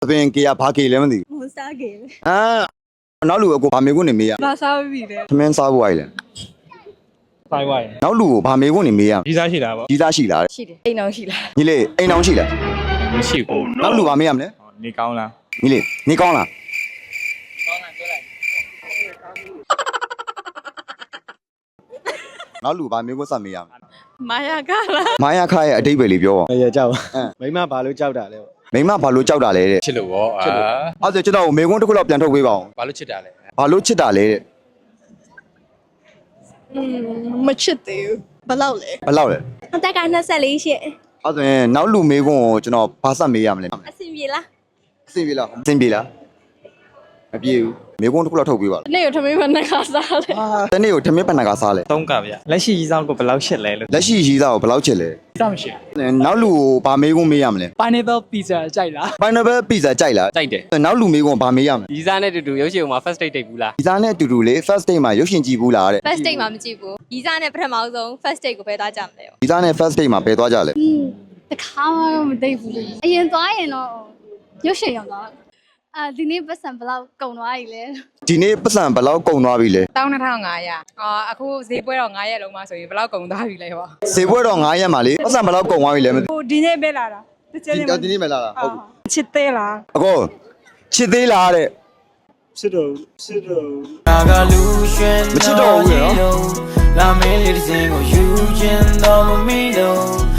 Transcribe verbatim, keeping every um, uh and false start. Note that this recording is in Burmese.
အပင်ကေရဘာကေလဲမသိမစားကေအာနောက်လူကိုဗာမေကွန်းနေမေးရဘာစားပြီလဲသမင်းစားဖို့အိုင်လဲဖိုင်ဝိုင်နောက်လူကိုဗာမေကွန်းနေမေးရကြီးစားရှိတာပေါ့ကြီးသားရှိလားရှိတယ်အိမ်အောင်ရှိလားညီလေးအိမ်အောင်ရှိလားမရှိဘူးနောက်လူဗာမေးရမလဲနေကောင်းလားညီလေးနေကောင်းလားနောက်လူဗာမေကွန်းစမေးရမယ်မာယာကလားမာယာခရဲ့အတိတ်ပဲလေးပြောပါရကြောက်အင်းမိမဘာလို့ကြောက်တာလဲမိမဘာလို့ကြောက်တာလဲတဲ့ချစ်လို့ဗောအာအဲ့ဒါကျွန်တော်မေကွန်းတစ်ခုလောက်ပြန်ထုတ်ပေးပါအောင်ဘာလို့ချစ်တာလဲဘာလို့ချစ်တာလဲတဲ့อืมမချစ်သေးဘူးဘယ်လောက်လဲဘယ်လောက်လဲအသက်ကနှစ်ဆက်လေးရှင့်အဲ့ဒါဆိုရင်နောက်လူမေကွန်းကိုကျွန်တော်ဘာဆက်မေးရမလဲအဆင်ပြေလားအဆင်ပြေလားအဆင်ပြေလားမပြေဘူးမေကွန်းတစ်ခုလောက်ထုတ်ပေးပါနေ့ကိုထမင်းမနဲ့ခါစားလဲအာတနေ့ကိုထမင်းပဏ္ဏကစားလဲသုံးကဗျလက်ရှိကြီးစားကိုဘယ်လောက်ရှစ်လဲလို့လက်ရှိရီးသားကိုဘယ်လောက်ချစ်လဲစောင့်ရှိနောက်လူကိုဗာမေကွန်းမေးရမလဲ pineapple pizza ကြိုက်လား pineapple pizza ကြိုက်လားကြိုက်တယ်နောက်လူမေကွန်းဗာမေးရမလဲဒီစားနဲ့တူတူရုပ်ရှင်မှာ first date တိတ်ဘူးလားဒီသားနဲ့အတူတူလေး first date မှာရုပ်ရှင်ကြည့်ဘူးလားတဲ့ first date မှာမကြည့်ဘူးရီစားနဲ့ပထမဆုံး first date ကိုပဲသွားကြမလဲရောဒီသားနဲ့ first date မှာဘယ်သွားကြလဲတခါမှတော့မသိဘူးလေအရင်သွားရင်တော့ရုပ်ရှင်ရောက်သွားအာဒီနေ့ပတ်စံဘယ်လောက်ကုန်သွားပြီလဲဒီနေ့ပတ်စံဘယ်လောက်ကုန်သွားပြီလဲ၁၂၅၀၀အာအခုဈေးပွဲတော့9ရက်လုံးမှဆိုရင်ဘယ်လောက်ကုန်သွားပြီလဲဟောဈေးပွဲတော့9ရက်မှာလေပတ်စံဘယ်လောက်ကုန်သွားပြီလဲမသိဟိုဒီနေ့ပဲလာတာတချဘူးင်းဒီဒီနေ့မလာတာဟုတ်ချစ်သေးလားအကောချစ်သေးလားတဲ့ချစ်တော့ချစ်တော့မချစ်တော့ဘူးရနော်လာမင်းလေးတစ်စင်ကိုယူချင်တော့မမီတော့